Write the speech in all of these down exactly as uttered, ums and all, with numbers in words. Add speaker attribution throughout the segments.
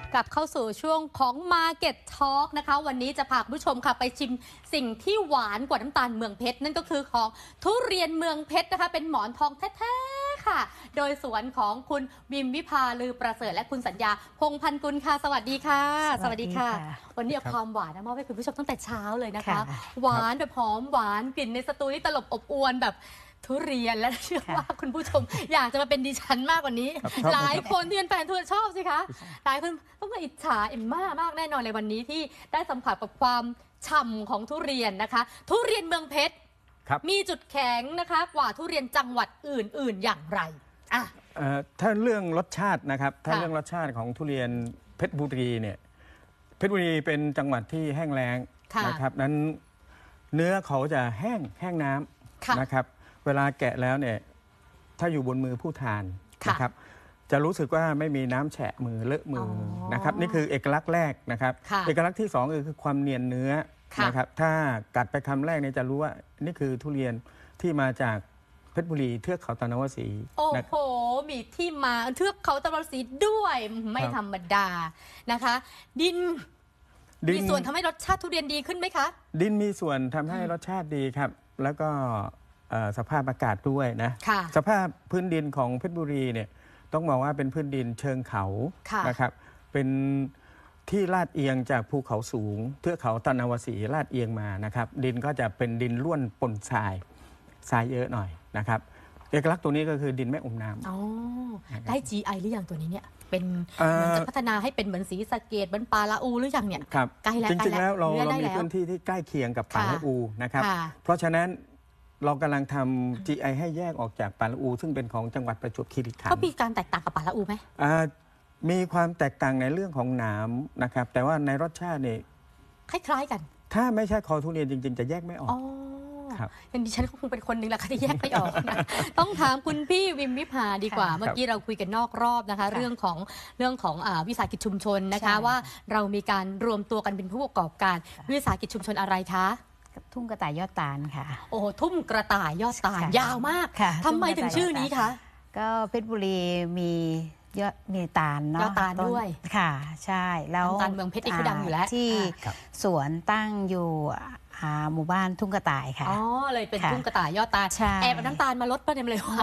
Speaker 1: กลับเข้าสู่ช่วงของ Market Talk นะคะวันนี้จะพาคุณผู้ชมค่ะไปชิมสิ่งที่หวานกว่าน้ำตาลเมืองเพชรนั่นก็คือของทุเรียนเมืองเพชรนะคะเป็นหมอนทองแท้ๆค่ะโดยสวนของคุณวิมวิภาลือประเสริฐและคุณสัญญาพงษ์พันกุลค่ะสวัสดีค่ะสวัสดีค่ะวันนี้เอาความหวานมามอบให้คุณผู้ชมตั้งแต่เช้าเลยนะคะหวานแบบหอมหวานกลิ่นในสตูนี่ตลบอบอวนแบบทุเรียนและเชื่อว่าคุณผู้ชมอยากจะมาเป็นดิฉันมากกว่านี้หลายคนที่เป็นแฟนทุเรียนชอบสิคะหลายคนต้องมาอิจฉาเอ็มม่ามากแน่นอนเลยวันนี้ที่ได้สัมผัสกับความฉ่ำของทุเรียนนะคะทุเรียนเมืองเพชรมีจุดแข็งนะคะกว่าทุเรียนจังหวัดอื่นๆอย่างไรอ่ะ
Speaker 2: ถ้าเรื่องรสชาตินะครับถ้าเรื่องรสชาติของทุเรียนเพชรบุรีเนี่ยเพชรบุรีเป็นจังหวัดที่แห้งแล้งนะครับนั้นเนื้อเขาจะแห้งแห้งน้ำนะครับเวลาแกะแล้วเนี่ยถ้าอยู่บนมือผู้ทานนะครับจะรู้สึกว่าไม่มีน้ำแฉะมือเลอะมือนะครับนี่คือเอกลักษณ์แรกนะครับเอกลักษณ์ที่สองคือความเนียนเนื้อนะครับถ้ากัดไปคำแรกเนี่ยจะรู้ว่านี่คือทุเรียนที่มาจากเพชรบุรีเทือกเขาตะนาวศรี
Speaker 1: โอ้โหมีที่มาเทือกเขาตะนาวศรีด้วยไม่ธรรมดานะคะดินมีส่วนทำให้รสชาติทุเรียนดีขึ้นไหมคะ
Speaker 2: ดินมีส่วนทำให้รสชาติดีครับแล้วก็สภาพอากาศด้วยนะสภาพพื้นดินของเพชรบุรีเนี่ยต้องบอกว่าเป็นพื้นดินเชิงเขานะครับเป็นที่ลาดเอียงจากภูเขาสูงเทือกเขาตะนาวศรีลาดเอียงมานะครับดินก็จะเป็นดินร่วนปนทรายทรายเยอะหน่อยนะครับเอกลักษณ์ตัวนี้ก็คือดินแม่อมน้ำอ๋อ
Speaker 1: ได้ จี ไอ หรือยังตัวนี้เนี่ยเป็นมันจะพัฒนาให้เป็นเหมือนศรีสะเกษเหมือนปาละอูหรือยังเนี่ย
Speaker 2: ใกล้แล้วจริงๆแล้วเราเรามีพื้นที่ที่ใกล้เคียงกับปาละอูนะครับเพราะฉะนั้นเรากำลังทำ จี ไอ ให้แยกออกจากปาละอูซึ่งเป็นของจังหวัดประจวบคีรีขันธ์
Speaker 1: ก็มีการแตกต่างกับปาละอูไหม
Speaker 2: มีความแตกต่างในเรื่องของหนามนะครับแต่ว่าในรสชาติเนี่ย
Speaker 1: คล้ายๆกัน
Speaker 2: ถ้าไม่ใช่คอทุเรียนจริงๆจะแยกไม่ออก
Speaker 1: ครับดิฉันก็คงเป็นคนหนึ่งแหละค่ะที่แยกไม่ออกนะต้องถามคุณพี่วิมวิภาดีกว่าเมื่อกี้เราคุยกันนอกรอบนะคะเรื่องของเรื่องของวิสาหกิจชุมชนนะคะว่าเรามีการรวมตัวกันเป็นผู้ประกอบการวิสาหกิจชุมชนอะไรคะ
Speaker 3: ทุ่งกระต่ายยอดตาลค่ะ
Speaker 1: โอ้ทุ่งกระต่ายยอดตาลยาวมากทำไมถึงชื่อนี้คะ
Speaker 3: ก็เพชรบุรีมียอดมีตาลเนาะ
Speaker 1: ยอดตาลด้วย
Speaker 3: ค่ะใช่แล้ว
Speaker 1: ตาลเมืองเพชรที่ดังอยู่แล้ว
Speaker 3: ที่สวนตั้งอยู่หมู่บ้านทุ่งกระต่ายค่ะ
Speaker 1: อ๋อเลยเป็นทุ่งกระต่ายยอดตาลแอบน้ำตาลมาลดประเด็นเลยค่ะ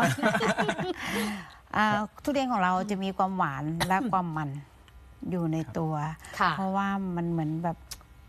Speaker 3: ทุเรียนของเราจะมีความหวานและความมันอยู่ในตัวเพราะว่ามันเหมือนแบบ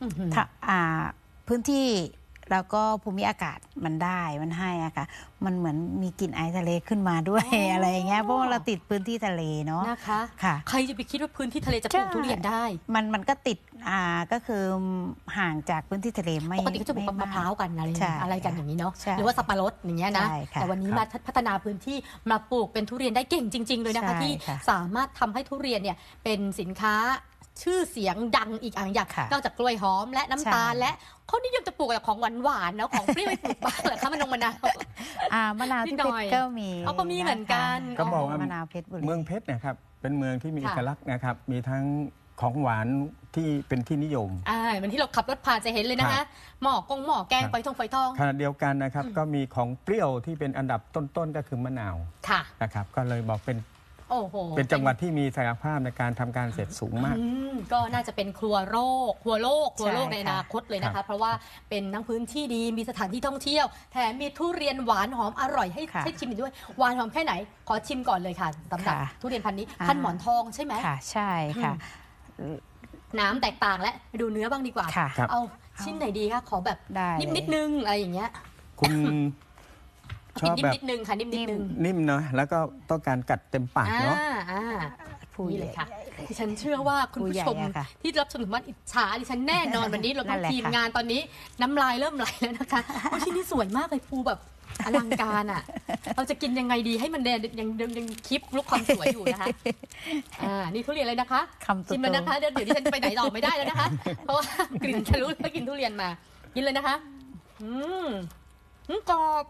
Speaker 3: พื้นที่แล้วก็ภูมิอากาศมันได้มันให้อะค่ะมันเหมือนมีกลิ่นไอทะเลขึ้นมาด้วย อ, อะไรอย่างเงี้ยเพราะว่าเราติดพื้นที่ทะเลเนาะ
Speaker 1: นะคะค่ะใครจะไปคิดว่าพื้นที่ทะเลจะปลูกทุเรียนได้
Speaker 3: มันมันก็ติดอ่าก็คือห่างจากพื้นที่ทะเลไม่
Speaker 1: ปกติก็จะปลูกมะพร้าวกันอะไรอะไรกันอย่างนี้เนาะหรือว่าสับปะรดอย่างเงี้ยนะแต่วันนี้มาพัฒนาพื้นที่มาปลูกเป็นทุเรียนได้เก่งจริงๆเลยนะคะที่สามารถทำให้ทุเรียนเนี่ยเป็นสินค้าชื่อเสียงดังอีกอย่างอย่างนอกจากกล้วยหอมและน้ำตาลและเขานิยมจะปลูกแบบของหวานๆแล้วของเปรี้ยวไปปลูกบ้างเหรอคะมะนงมะนาว
Speaker 3: มะนาวที่เพชรก็มี
Speaker 1: เขาก็มีเหมือนกัน
Speaker 2: ก็บอกว่ามะนาวเพชรบุรีเมืองเพชรนะครับเป็นเมืองที่มีเอกลักษณ์นะครับมีทั้งของหวานที่เป็นที่นิยม
Speaker 1: อ่าเหมือนที่เราขับรถผ่านจะเห็นเลยนะคะหม้อกงหม้อแกงไฟทองไฟทอง
Speaker 2: ขณะเดียวกันนะครับก็มีของเปรี้ยวที่เป็นอันดับต้นๆก็คือมะนาวนะครับก็เลยบอกเป็นเป็นจังหวัดที่มีศักยภาพในการทำการเกษตรสูงมาก
Speaker 1: ก็น่าจะเป็นครัวโลกครัวโลกครัวโลกในอนาคตเลยนะคะเพราะว่าเป็นทั้งพื้นที่ดีมีสถานที่ท่องเที่ยวแถมมีทุเรียนหวานหอมอร่อยให้ให้ชิมด้วยหวานหอมแค่ไหนขอชิมก่อนเลยค่ะสำหรับทุเรียนพันธุ์นี้พันธุ์หมอนทองใช่ไหม
Speaker 3: ค่ะใช่ค่ะ
Speaker 1: น้ำแตกต่างและไปดูเนื้อบ้างดีกว่าเอาชิ้นไหนดีคะขอแบบนิ่มนิดนึงอะไรอย่างเงี้ย
Speaker 2: คุณ
Speaker 1: ชอบแบบนิดนึงค่ะนิ่มนิดนึง
Speaker 2: นิ่มเนาะแล้วก็ต้องการกัดเต็มปากเนาะ
Speaker 1: พูดเลยค่ะดิฉันเชื่อว่าคุณผู้ชมที่รับชมถึงมันอิจฉาดิฉันแน่นอนวันนี้เราต้องทีมงานตอนนี้น้ำลายเริ่มไหลแล้วนะคะชิ้นนี้สวยมากเลยภูแบบอลังการอ่ะเราจะกินยังไงดีให้มันเดนยังยังคลิปลุกความสวยอยู่นะคะอ่านี่ทุเรียนเลยนะคะชิมมันนะคะเดี๋ยวเดี๋ยวดิฉันไปไหนต่อไม่ได้แล้วนะคะเพราะว่ากลิ่นทะลุแล้วกินทุเรียนมากินเลยนะคะอืมกรอบ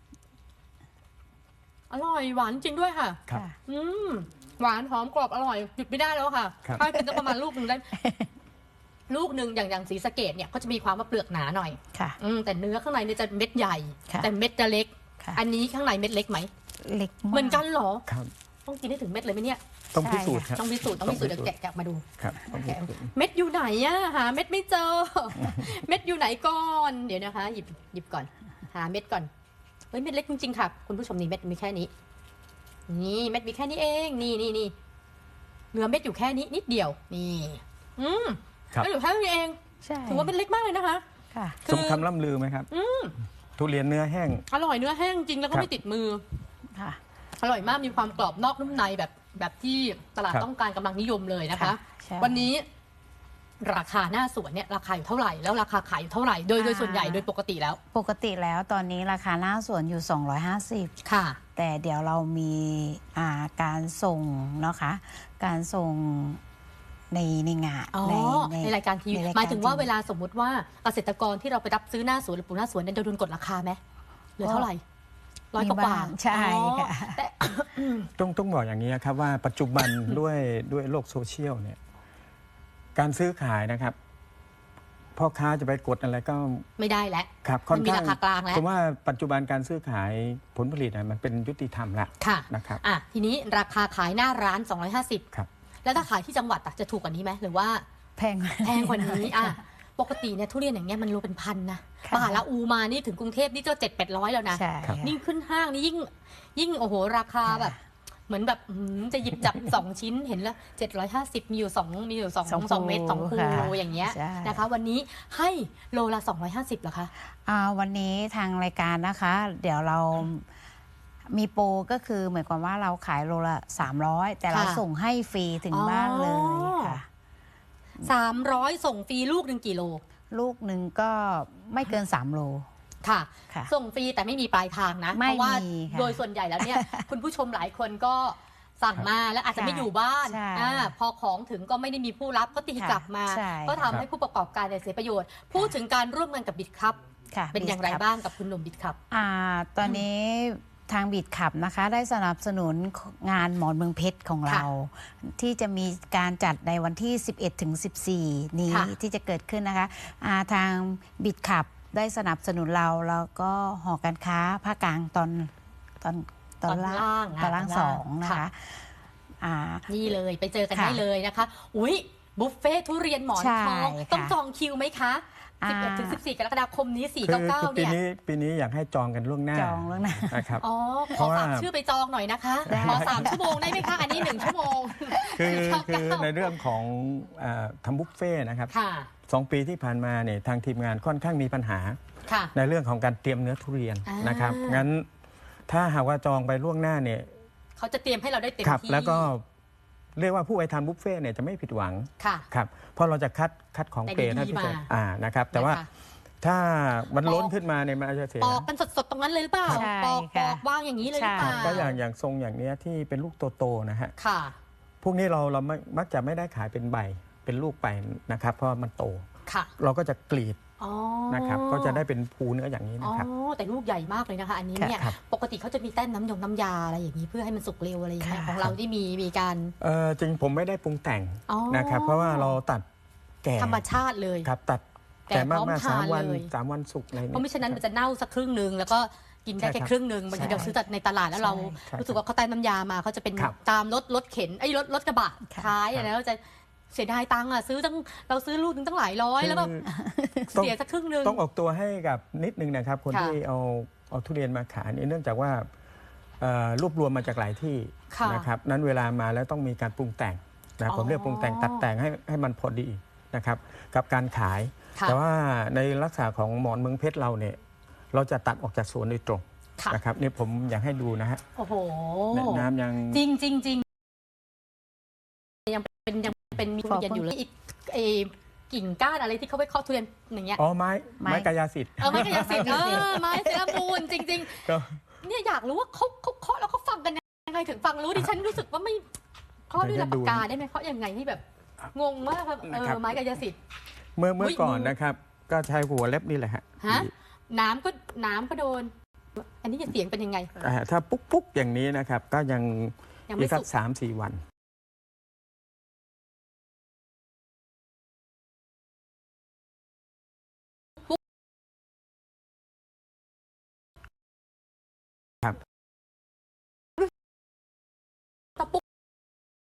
Speaker 1: อร่อยหวานจริงด้วยค่ะอืมหวานหอมกรอบอร่อยหยุดไม่ได้แล้วค่ะถ้ากินจะประมาณลูกหนึ่งได้ลูกหนึ่งอย่างอย่างศรีสะเกษเนี่ยก็จะมีความว่าเปลือกหนาหน่อยค่ะอืมแต่เนื้อข้างในเนี่ยจะเม็ดใหญ่แต่เม็ดจะเล็กอันนี้ข้างในเม็ดเล็กไหม
Speaker 3: เล็ก
Speaker 1: เหมือนกันเหรอต้องกินให้ถึงเม็ดเลยไหมเนี่ย
Speaker 2: ต้องพิสูจน์ครับ
Speaker 1: ต้องพิสูจน์ต้องพิสูจน์เดี๋ยวแกะแกะมาดู
Speaker 2: ครับต้องพิสูจน์
Speaker 1: เม็ดอยู่ไหนอะหาเม็ดไม่เจอ เม็ดอยู่ไหนก่อนเดี๋ยวนะคะหยิบหยิบก่อนหาเม็ดก่อนเฮ้ยเม็ดเล็กจริงๆค่ะคุณผู้ชมนี่เม็ดมีแค่นี้นี่เม็ดมีแค่นี้เองนี่นี่นี่เหลือเม็ดอยู่แค่นี้นิดเดียวนี่อืม
Speaker 2: ครับ
Speaker 1: แล้วอยู่แค่นี้เอง
Speaker 3: ใช่
Speaker 1: ถือว่าเป็นเล็กมากเลยนะคะ
Speaker 3: ค่ะ
Speaker 1: คือ
Speaker 2: สมคำล่ำลือไหมครับทุเรียนเนื้อแห้ง
Speaker 1: อร่อยเนื้อแห้งจริงแล้วก็
Speaker 2: ครับ
Speaker 1: ไม่ติดมือ
Speaker 3: ค่ะ
Speaker 1: อร่อยมากมีความกรอบนอกนุ่มในแบบแบบที่ตลาด
Speaker 2: ครับ
Speaker 1: ต้องการกำลังนิยมเลยนะคะ
Speaker 3: ค่ะใช่
Speaker 1: วันนี้ราคาหน้าสวนเนี่ยราคาอยู่เท่าไหร่แล้วราคาขายอยู่เท่าไหร่โดยโดยส่วนใหญ่โดยปกติแล้ว
Speaker 3: ปกติแล้วตอนนี้ราคาหน้าสวนอยู่สองร้อยห้าสิบ
Speaker 1: ค่ะ
Speaker 3: แต่เดี๋ยวเรามีอ่าการส่งนะคะ การส่งในในงาน
Speaker 1: อ๋อ ในรายการทีวี
Speaker 3: ในร
Speaker 1: หมายถึงว่า
Speaker 3: ที
Speaker 1: เวลาสมมุติว่าเกษตรกรที่เราไปรับซื้อหน้าสวนหรือปลูกหน้าสวนเนี่ยจะโดนกดราคาไหมเหลือเท่าไหร่ร้อยกว่า
Speaker 3: มีบ้างใช่
Speaker 1: อ๋อ
Speaker 3: ค่ะ
Speaker 1: แต่
Speaker 2: ต้องต้องบอกอย่างนี้ครับว่าปัจจุบัน ด้วยด้วยโลกโซเชียลเนี่ยการซื้อขายนะครับพ่อค้าจะไปกดอะไรก็
Speaker 1: ไม่ได้แล้ว
Speaker 2: ครับ
Speaker 1: มันมีราคากลางแล้ว
Speaker 2: เพราะว่าปัจจุบันการซื้อขายผลผลิตนะมันเป็นยุติธรรมแล้ว
Speaker 1: ค่ะ
Speaker 2: นะครับ
Speaker 1: อ่ะทีนี้ราคาขายหน้าร้านสองร้อยห้าสิบ
Speaker 2: ครับ
Speaker 1: แล้วถ้าขายที่จังหวัดอะจะถูกกว่านี้ไหมหรือว่า
Speaker 3: แพง
Speaker 1: แพงกว่านี้อ่ะปกติเนี่ยทุเรียนอย่างเงี้ยมันโลเป็นพันนะ
Speaker 3: ค่ะ
Speaker 1: ป่าละอูมานี่ถึงกรุงเทพนี่ก็เจ็ดแปดร้อยแล้วนะ
Speaker 3: ใช่
Speaker 2: ครับ
Speaker 3: ค่ะ
Speaker 1: ยิ่งขึ้นห้างนี่ยิ่งยิ่งโอ้โหราคา
Speaker 3: ค่ะ
Speaker 1: แบบ เหมือนแบบอื้อหือจะหยิบจับ สองชิ้นเห็นแล้วเจ็ดร้อยห้าสิบมีอยู่สองมีอยู่สอง
Speaker 3: สอง
Speaker 1: สองเม็ดสอง
Speaker 3: ภู
Speaker 1: ภู
Speaker 3: ค่ะ
Speaker 1: อย่างเงี้ย
Speaker 3: ใช่
Speaker 1: นะคะ วันนี้ให้โลละสองร้อยห้าสิบเหรอคะ
Speaker 3: อ่าวันนี้ทางรายการนะคะ เดี๋ยวเรามีโปรก็คือหมายความว่าเราขายโลละสามร้อยแต่เรา
Speaker 1: ค่ะ
Speaker 3: ส่งให้ฟรีถึงบ้านเลยค่ะ
Speaker 1: สามร้อยส่งฟรีลูกหนึ่งกี่โล
Speaker 3: ลูกหนึ่งก็ไม่เกินสามโล
Speaker 1: ค่ะ
Speaker 3: ค่ะ
Speaker 1: ส่งฟรีแต่ไม่มีปลายทางนะ
Speaker 3: ไม่
Speaker 1: เพราะว่า
Speaker 3: มีค่ะ
Speaker 1: โดยส่วนใหญ่แล้วเนี่ย คุณผู้ชมหลายคนก็สั่งมาแล้วอาจจะไม่อยู่บ้าน
Speaker 3: ใช่
Speaker 1: อ่าพอของถึงก็ไม่ได้มีผู้รับก็ตี
Speaker 3: ค่ะ
Speaker 1: กลับมา
Speaker 3: ใช่
Speaker 1: ก็ทำให้ผู้ประกอบการเนี่ยเสียประโยชน์ พูดถึงการร่วมงานกับบิดครับ
Speaker 3: ค่ะ
Speaker 1: เป็นอย่างไร
Speaker 3: บิดครับ
Speaker 1: บ้างกับคุณหนุ่มบิดครับ
Speaker 3: อ่าตอนนี้ทางบิดขับนะคะ ได้สนับสนุนงานหมอนเมืองเพชรของเรา ที่จะมีการจัดในวันที่ สิบเอ็ดถึงสิบสี่ นี้
Speaker 1: ค่ะ
Speaker 3: ที่จะเกิดขึ้นนะคะอ่าทางบิดขับได้สนับสนุนเราแล้วก็หอการค้าภาคกลางตอนตอนตอนล่าง
Speaker 1: ะ
Speaker 3: ตอนล่างสองนะ
Speaker 1: ค่ะ
Speaker 3: คะอ่า
Speaker 1: นี่เลยไปเจอกัน
Speaker 3: ค่ะ
Speaker 1: ได้เลยนะคะ อุ้ยบุฟเฟ่ทุเรียนหมอน
Speaker 3: ใช่
Speaker 1: ทอง
Speaker 3: ค่ะ
Speaker 1: ต้องจองคิวไหมคะ
Speaker 3: อ่า
Speaker 1: สิบเอ็ดถึงสิบสี่กรกฎาคมนี้
Speaker 2: คือ
Speaker 1: สี่เก้า
Speaker 2: คือ
Speaker 1: เก้า
Speaker 2: ปี
Speaker 1: เนี่ย
Speaker 2: นี้ปีนี้อยากให้จองกันล่วงหน้า
Speaker 3: จองล่วงหน้า
Speaker 2: นะครับ
Speaker 1: อ๋อ
Speaker 2: เพ
Speaker 1: ขอ
Speaker 2: ราะว่า
Speaker 1: ฝากชื่อไปจองหน่อยนะคะ
Speaker 3: ได้
Speaker 1: ขอสามชั่วโมงได้ไหมคะ อันนี้หนึ่งชั่วโมง
Speaker 2: คือ
Speaker 1: สี่เก้า
Speaker 2: คือ
Speaker 1: เก้า
Speaker 2: ในเรื่องของเอ่อทำบุฟเฟ่ต์นะครับ
Speaker 1: ค่ะ
Speaker 2: สองปีที่ผ่านมาเนี่ยทางทีมงานค่อนข้างมีปัญหา
Speaker 1: ค่ะ
Speaker 2: ในเรื่องของการเตรียมเนื้อทุเรียน
Speaker 1: อ่าน
Speaker 2: นะครับงั้นถ้าหากว่าจองไปล่วงหน้าเนี่ย
Speaker 1: เขาจะเตรียมให้เราได้เต็ม
Speaker 2: ครับ
Speaker 1: ที่
Speaker 2: แล้วก็เรียกว่าผู้ไปทานบุฟเฟ่ต์เนี่ยจะไม่ผิดหวัง
Speaker 1: ค่ะ
Speaker 2: ครับเพราะเราจะคัดคัดของ
Speaker 1: แต่
Speaker 2: เกรด
Speaker 1: ดีๆ
Speaker 2: ให้พิเศษ
Speaker 1: มา
Speaker 2: อ่านะครับแต่ว่า
Speaker 1: นะคะ
Speaker 2: ถ้ามันล้น
Speaker 1: ปอก
Speaker 2: ขึ้นมาเนี่ยมันอาจจะเสีย
Speaker 1: ปอกกันสดๆตรงนั้นเลยหรือเปล่า
Speaker 3: ใช่
Speaker 1: ปอกป
Speaker 3: ค่ะ
Speaker 1: อกวางอย่างนี้เลยหรือเปล่า
Speaker 3: ใช่
Speaker 2: ก็อย่างอย่างทรงอย่างเนี้ยที่เป็นลูกโตๆนะฮะ
Speaker 1: ค่ะ
Speaker 2: พวกนี้เราเราไม่มักจะไม่ได้ขายเป็นใบเป็นลูกไปนะครับ เพราะว่ามันโต
Speaker 1: ค่ะ
Speaker 2: เราก็จะกรีด
Speaker 1: อ๋อ
Speaker 2: นะครับก็จะได้เป็นภูเนื้ออย่างนี้
Speaker 1: อ๋อ
Speaker 2: นะครับ
Speaker 1: แต่ลูกใหญ่มากเลยนะคะ อันนี้เนี่ย
Speaker 2: ครับ
Speaker 1: ปกติเขาจะมีแต้มน้ำยงน้ำยาอะไรอย่างนี้เพื่อให้มันสุกเร็วอะไรอย่างเงี้ย
Speaker 3: ค่ะ
Speaker 1: ของเราที่มีมีการ
Speaker 2: เออจริงผมไม่ได้ปรุงแต่ง
Speaker 1: อ๋อ
Speaker 2: นะครับ เพราะว่าเราตัดแก่
Speaker 1: ธรรมชาติเลย
Speaker 2: ครับตัด
Speaker 1: แก่
Speaker 2: แก่
Speaker 1: พร้
Speaker 2: มา
Speaker 1: อก ม
Speaker 2: มา
Speaker 1: ทาน
Speaker 2: สามวัน
Speaker 1: เลย
Speaker 2: สามวันสุกอะไร
Speaker 1: เพราะไม่ฉะนั้นมัน
Speaker 2: ครับ
Speaker 1: จะเน่าสักครึ่งหนึ่งแล้วก็กินได้
Speaker 2: ใช่
Speaker 1: แค่
Speaker 2: ครับ
Speaker 1: ครึ่งหนึ่งบางที
Speaker 2: ใช่
Speaker 1: เราซื้อจากในตลาดแล้วเรา
Speaker 2: ใช่
Speaker 1: รู้สึกว่าเขาใต้น้ำยามาเขาจะเป็น
Speaker 2: ครับ
Speaker 1: ตามรถรถเข็นไอ้ยรถรถกระบะ
Speaker 3: ค่ะ
Speaker 1: ท้าย
Speaker 2: ครับ
Speaker 1: แล้วจะเสียดายตังค์อ่ะซื้อตั้งเราซื้อลูกนึงตั้งหลายร้อยแล้วแบบ
Speaker 2: ต้อง
Speaker 1: เสียสักครึ่งหนึ่ง
Speaker 2: ต้องออกตัวให้กับนิดนึงนะครับ คน
Speaker 1: ค่ะ
Speaker 2: ที่เอาเอาทุเรียนมาขายเนี่ยเนื่องจากว่าเอ่อรวบรวมมาจากหลายที่
Speaker 1: ค่ะ
Speaker 2: นะครับนั้นเวลามาแล้วต้องมีการปรุงแต่งนะ
Speaker 1: อ๋อ
Speaker 2: ผมเรียกปรุงแต่งตัดแต่งให้ให้มันพอดีนะครับกับการขาย
Speaker 1: ค่ะ
Speaker 2: แต่ว่าในลักษณะของหมอนเมืองเพชรเราเนี่ยเราจะตัดออกจากสวนโดยตรง
Speaker 1: ค่ะ
Speaker 2: นะครับนี่ผมอยากให้ดูนะฮะ
Speaker 1: โอ้โห
Speaker 2: เนี่ยน้ำยัง
Speaker 1: จริงจริงจริงยังเป็นยังเป็นมีทุเรียนอยู่เลยอีกไอ้กิ่งก้านอะไรที่เขาไปเคาะทุเรียนอย่างเงี้ย
Speaker 2: อ๋อไม้
Speaker 3: ไม้
Speaker 2: ไม้กายสิทธิ์
Speaker 1: เออไม้กายสิทธิ์เออไม้เซรามูนจริง
Speaker 2: ก็
Speaker 1: ๆ เนี่ยอยากรู้ว่าเขาเขาเคาะแล้วเขาฟังกันยังไงถึงฟังรู้ดิฉันรู้สึกว่าไม่เคาะด้วยลำปากกาได้ไหมเคาะยังไงที่แบบงงมากครับเออไม้กายสิทธิ์
Speaker 2: เมื่อเมื่อ
Speaker 1: อุ๊ย
Speaker 2: ก่อน
Speaker 1: มือ
Speaker 2: นะครับ ก็ใช้หัวเล็บนี่แหละฮะ
Speaker 1: ฮะน้ำก็น้ำก็โดน อันนี้จะเสียงเป็นยังไง
Speaker 2: อ่าถ้าปุ๊กปุ๊กอย่างนี้นะครับ ก็ยัง
Speaker 1: ยังไม่
Speaker 2: อีกสั
Speaker 1: สุ
Speaker 2: ก
Speaker 1: ก
Speaker 2: สามสี่วัน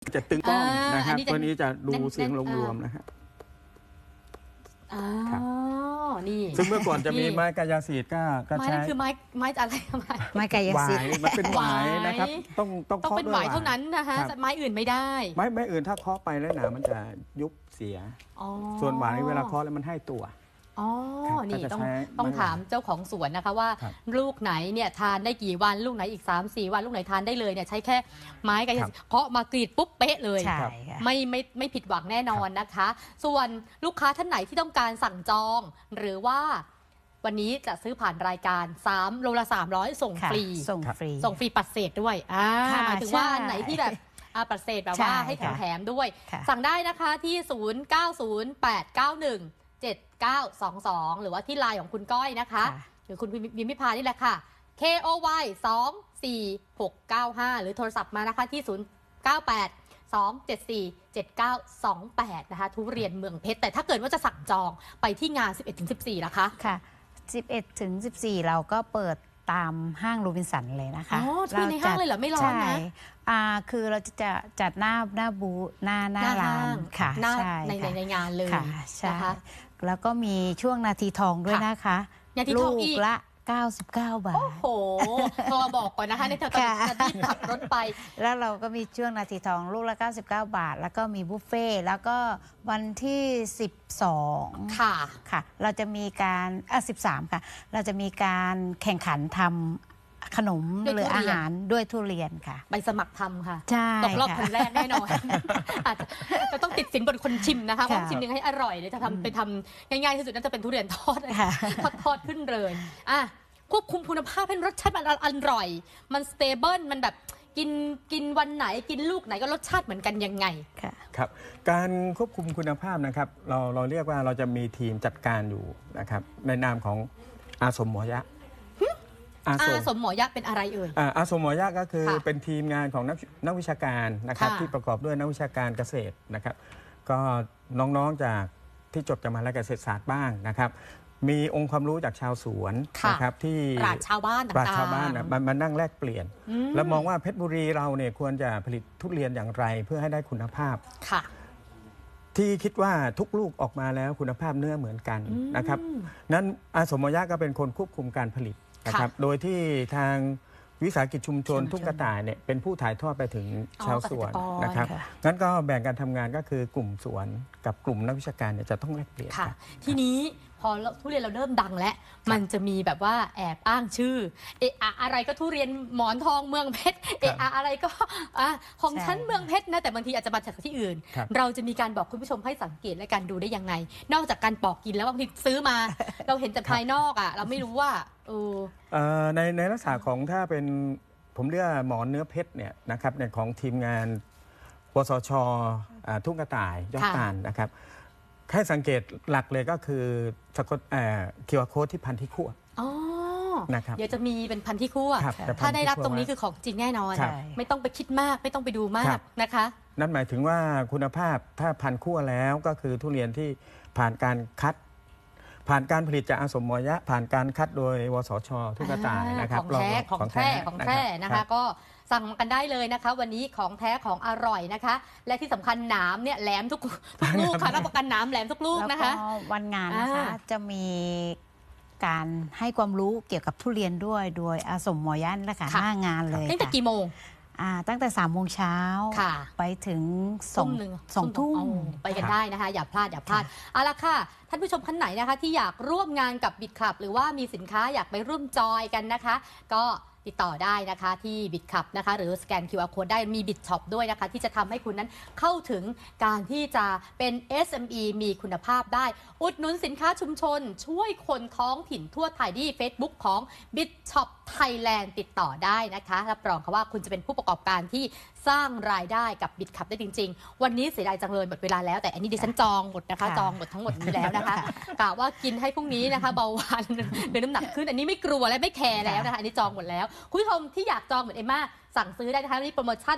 Speaker 2: จะตึงกล้อง
Speaker 1: อ่าน
Speaker 2: นะครับ
Speaker 1: อันนี้จะ
Speaker 2: ตัวนี้จะดู
Speaker 1: แน่นๆ
Speaker 2: เสียงรวมๆนะครับ
Speaker 1: อ๋อ
Speaker 2: ครับ
Speaker 1: นี่
Speaker 2: ซึ่งเมื่อก่อนจะมีไม้กายสิทธิ์ก็ก็
Speaker 1: ไม้
Speaker 2: ใช้
Speaker 1: นั่นคือไม้ไม้อะไรไม้
Speaker 3: ไม้กาย
Speaker 2: หวา
Speaker 3: สิทธิ์
Speaker 2: ยมันเป็นหวายนะครับ
Speaker 1: หวาย
Speaker 2: ต้องต้อง
Speaker 1: ต้อง
Speaker 2: เคาะ
Speaker 1: เป็น
Speaker 2: ด้วย
Speaker 1: หวายเท่านั้นนะคะ
Speaker 2: ครับ
Speaker 1: ไม้อื่นไม่ได้
Speaker 2: ไม้ไม้อื่นถ้าเคาะไปแล้วหนามันจะยุบเสีย
Speaker 1: อ๋อ
Speaker 2: ส่วนหวายเวลาเคาะแล้วมันให้ตัว
Speaker 1: อ๋อ
Speaker 2: ครับ
Speaker 1: นี่
Speaker 2: ก็จะ
Speaker 1: ต้อง
Speaker 2: ใช้
Speaker 1: ต้อง
Speaker 2: ไม้
Speaker 1: ถามเจ้าของสวนนะคะว่า
Speaker 2: ครับ
Speaker 1: ลูกไหนเนี่ยทานได้กี่วันลูกไหนอีก สามสี่ วันลูกไหนทานได้เลยเนี่ยใช้แค่ไม้กายสิทธิ์เคาะมากรีดปุ๊บเป๊ะเลย
Speaker 3: ใช่ค่ะ
Speaker 1: ไม่ไม่ไม่ผิดหวังแน่นอนนะคะ ส่วนลูกค้าท่านไหนที่ต้องการสั่งจอง หรือว่าวันนี้จะซื้อผ่านรายการ3โลละสามร้อยส่ง
Speaker 3: ค่ะ
Speaker 1: ฟรี
Speaker 3: ส่งฟรี
Speaker 1: ส่งฟรีปัดเศษด้วยอ่า
Speaker 3: ค่ะ
Speaker 1: หมายถึงว่า
Speaker 3: ใช่
Speaker 1: อันไหนที่แบบอาปัดเศษแบบ
Speaker 3: ใช่
Speaker 1: ว่าให้
Speaker 3: ค่ะ
Speaker 1: แถมๆด้วย
Speaker 3: ค่ะ
Speaker 1: สั่งได้นะคะที่ ศูนย์ เก้า ศูนย์ แปด เก้า หนึ่ง เจ็ด เก้า สอง สอง หรือว่าที่ไลน์ของคุณก้อยนะคะ
Speaker 3: ค่ะ
Speaker 1: หรือคุณวิมพิพานี่แหละค่ะ K O Y สอง สี่ หก เก้า ห้า หรือโทรศัพท์มานะคะที่ ศูนย์ เก้า แปด สอง เจ็ด สี่ เจ็ด เก้า สอง แปด นะคะทุเรียนเมืองเพชรแต่ถ้าเกิดว่าจะสั่งจองไปที่งาน สิบเอ็ดถึงสิบสี่ นะคะ
Speaker 3: ค่ะ สิบเอ็ดถึงสิบสี่ เราก็เปิดตามห้างโรบินสันเลยนะคะ
Speaker 1: อ๋อที่ในห้างเลยเหรอไม่ร้อนนะ
Speaker 3: ใช่อ่าคือเราจะจะจัดหน้าหน้าบูธหน้าหน้าร้านค่ะ
Speaker 1: หน้า
Speaker 3: ใช่
Speaker 1: ในใน
Speaker 3: ค่ะ
Speaker 1: ในงานเลย
Speaker 3: ค่ะใช่
Speaker 1: นะคะ
Speaker 3: แล้วก็มีช่วงนาทีทองด้วย
Speaker 1: ค่ะ
Speaker 3: นะคะ
Speaker 1: นาทีทอง
Speaker 3: ลู
Speaker 1: อี
Speaker 3: ก
Speaker 1: ก
Speaker 3: ละ เก้าสิบเก้า บาท
Speaker 1: โอ้โหโทรมาบอกก่อนนะคะในเธอตอน
Speaker 3: ค่ะ
Speaker 1: จะรีบขับรถไป
Speaker 3: แล้วเราก็มีช่วงนาทีทองลูกละ เก้าสิบเก้า บาท แล้วก็มีบุฟเฟ่ต์แล้วก็วันที่สิบสอง
Speaker 1: ค่ะ
Speaker 3: ค่ะ เราจะมีการอ่ะสิบสามค่ะ เราจะมีการแข่งขันทำขนม
Speaker 1: ด้วย
Speaker 3: หรือ
Speaker 1: ทุเรียน
Speaker 3: อาหารด้วยทุเรียนค่ะ
Speaker 1: ไปสมัครทำค่ะ
Speaker 3: ใช่
Speaker 1: ตกรอบ
Speaker 3: ค่ะ
Speaker 1: คนแรกแน่นอน อาจจะจะต้องติดสินบนคนชิมนะคะ
Speaker 3: ค่ะ
Speaker 1: ว่าชิมยังไงให้อร่อยเดี๋ยวจะทำไปทำง่ายๆที่สุดน่าจะเป็นทุเรียนทอด
Speaker 3: ค่ะ
Speaker 1: ทอดทอดขึ้นเลยอ่ะควบคุมคุณภาพให้รสชาติมันอร่อย มันสเตเบิลมันแบบกินกินวันไหนกินลูกไหนก็รสชาติเหมือนกันยังไง
Speaker 3: ค่ะ
Speaker 2: ครับการควบคุมคุณภาพนะครับเราเราเรียกว่าเราจะมีทีมจัดการอยู่นะครับในนามของอาสมหมอยะอาส
Speaker 1: อาม สมหมอยะเป็นอะไรเอ่ย
Speaker 2: อ่าอาสมหมอยะก็คือ
Speaker 1: ค่ะ
Speaker 2: เป็นทีมงานของนักนักวิชาการนะครับ
Speaker 1: ค่ะ
Speaker 2: ที่ประกอบด้วยนักวิชาการเกษตรนะครับ ก็น้องๆจากที่จบจากมหาวิทยาลัยเกษตรศาสตร์บ้างนะครับ มีองค์ความรู้จากชาวสวน
Speaker 1: ค่ะ
Speaker 2: นะครับที่
Speaker 1: ปราชญ์ชาวบ้าน
Speaker 2: ปราชญ์
Speaker 1: ต่างๆ
Speaker 2: ชาวบ้านน่ะมามานั่งแลกเปลี่ยน
Speaker 1: อืม
Speaker 2: แล้วมองว่าเพชรบุรีเราเนี่ยควรจะผลิตทุเรียนอย่างไรเพื่อให้ได้คุณภาพ
Speaker 1: ค่ะ
Speaker 2: ที่คิดว่าทุกลูกออกมาแล้วคุณภาพเนื้อเหมือนกัน
Speaker 1: อืม
Speaker 2: นะครับนั้นอาสมยะก็เป็นคนควบคุมการผลิตนะครับ โดยที่ทางวิสาหกิจชุมชน
Speaker 3: ชุมชน
Speaker 2: ทุ่งกระต่ายเนี่ยเป็นผู้ถ่ายทอดไปถึงชาวสวน
Speaker 1: อ๋อเกษตรกร
Speaker 2: นะครับ
Speaker 3: ค่ะ
Speaker 2: งั้นก็แบ่งการทำงานก็คือกลุ่มสวนกับกลุ่มนักวิชาการเนี่ยจะต้องแลกเปลี่ยน
Speaker 1: ค่ะ
Speaker 2: กัน
Speaker 1: ทีนี้พอทุเรียนเราเริ่มดังแล้ว มันจะมีแบบว่าแอบอ้างชื่อ เอะอะอะไรก็ทุเรียนหมอนทองเมืองเพชร เอะอะอะไรก็อ่ะของ
Speaker 3: ใช่
Speaker 1: ฉันเมืองเพชรนะ แต่บางทีอาจจะมาจากที่อื่น
Speaker 2: ครับ
Speaker 1: เราจะมีการบอกคุณผู้ชมให้สังเกตและการดูได้ยังไง นอกจากการปอกกินแล้วบางทีซื้อมา เราเห็นแต่ภายนอกอ่ะ เราไม่รู้ว่าเออ
Speaker 2: เอ่อในในลักษณะของถ้าเป็นผมเรียกว่าหมอนเนื้อเพชรเนี่ยนะครับในของทีมงานปสชอ่าทุ่งกระต่ายยอด
Speaker 1: ค่ะ
Speaker 2: ตาลนะครับแค่สังเกตหลักเลยก็คือสะกดเอ่อคิวอาร์โค้ดที่พันที่ขั้ว
Speaker 1: อ๋อ
Speaker 2: นะครับ
Speaker 1: เดี๋ยวจะมีเป็นพันที่คั่ว
Speaker 2: ครับแต่พัน
Speaker 1: ถ้าได้รับ
Speaker 2: ที่คั่ว
Speaker 1: ตรงนี้คือของจริงแน่นอน
Speaker 2: ครับ
Speaker 1: ไม่ต้องไปคิดมากไม่ต้องไปดูมา
Speaker 2: ครั
Speaker 1: ก
Speaker 2: บ
Speaker 1: นะคะ
Speaker 2: นั่นหมายถึงว่าคุณภาพถ้าพันขั้วแล้วก็คือทุเรียนที่ผ่านการคัด ผ่านการผลิตจากอาสมหมอยะ ผ่านการคัดโดยวสชทุกกระต่ายนะครับ
Speaker 1: ของแท้
Speaker 2: ล
Speaker 1: ของแท้ของแท้นะ
Speaker 2: รั
Speaker 1: คะ
Speaker 2: บ
Speaker 1: ก็สั่งกันได้เลยนะคะ วันนี้ของแท้ของอร่อยนะคะ และที่สำคัญหนามเนี่ยแหลมทุกทุกลูกค่ะรับประกันหนามแหลมทุกลูก
Speaker 3: แล้ว
Speaker 1: นะ
Speaker 3: ก็
Speaker 1: คะ
Speaker 3: วันงานนะคะ
Speaker 1: อ่า
Speaker 3: จะมีการให้ความรู้เกี่ยวกับทุเรียนด้วยโดยอาสมหมอยันและค่ะหน้างานเลย
Speaker 1: ตั้งแต่
Speaker 3: ค่ะ
Speaker 1: กี่โมง
Speaker 3: อ่าตั้งแต่สามโมงเช้า
Speaker 1: ค่ะ
Speaker 3: ไปถึงสอง
Speaker 1: ทุ่มหนึ่ง
Speaker 3: สองทุ่ม
Speaker 1: โไปกันได้นะคะ อย่าพลาดอย่าพลาดเอาละค่ะ ท่านผู้ชมท่านไหนนะคะ ที่อยากร่วมงานกับบิดคลับ หรือว่ามีสินค้าอยากไปร่วมจอยกันนะคะ ก็ติดต่อได้นะคะที่บิดคลับนะคะ หรือสแกน คิว อาร์ Code ได้มีบิดช็อปด้วยนะคะ ที่จะทำให้คุณนั้นเข้าถึงการที่จะเป็น เอส เอ็ม อี มีคุณภาพได้ อุดหนุนสินค้าชุมชน ช่วยคนท้องถิ่นทั่วไทยที่ Facebook ของ BitShop Thailand ติดต่อได้นะคะรับรองค่ะว่าคุณจะเป็นผู้ประกอบการที่สร้างรายได้กับบิดคับได้จริง ๆ วันนี้เสียดายจังเลยหมดเวลาแล้วแต่อันนี้ดิฉันจองหมดนะคะ
Speaker 3: ค่ะ
Speaker 1: จองหมดทั้งหมดนี้แล้วนะคะกะว่ากินให้พรุ่งนี้นะคะ เบาหวานหรือน้ำหนักขึ้นอันนี้ไม่กลัวและไม่แคร์แล้วนะคะอันนี้จองหมดแล้วคุณผู้ชมที่อยากจองเหมือนเอมม่าสั่งซื้อได้นะคะนี่โปรโมชั่น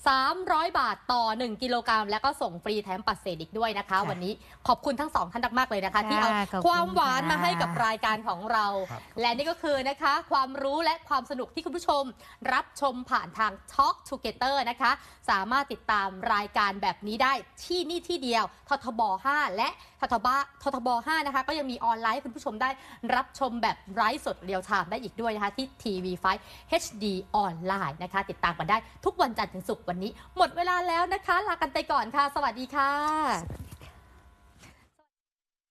Speaker 1: สามร้อยบาทต่อหนึ่งกิโลกรัมแล้วก็ส่งฟรีแถมปัดเศษอีกด้วยนะคะวันนี้ขอบคุณทั้งสองท่านมากๆเลยนะคะที่เอาความหวานมาให้กับรายการของเราและนี่ก็คือนะคะความรู้และความสนุกที่คุณผู้ชมรับชมผ่านทาง Talk Together นะคะสามารถติดตามรายการแบบนี้ได้ที่นี่ที่เดียวททบห้าและททบททบห้านะคะก็ยังมีออนไลน์คุณผู้ชมได้รับชมแบบไลฟ์สดเรียลไทม์ได้อีกด้วยนะคะที่ ที วี ไฟว์ เอช ดี ออนไลน์นะคะติดตามกันได้ทุกวันจันทร์ถึงศุกร์วันนี้หมดเวลาแล้วนะคะลากันไปก่อนค่ะสวัสดีค่ะ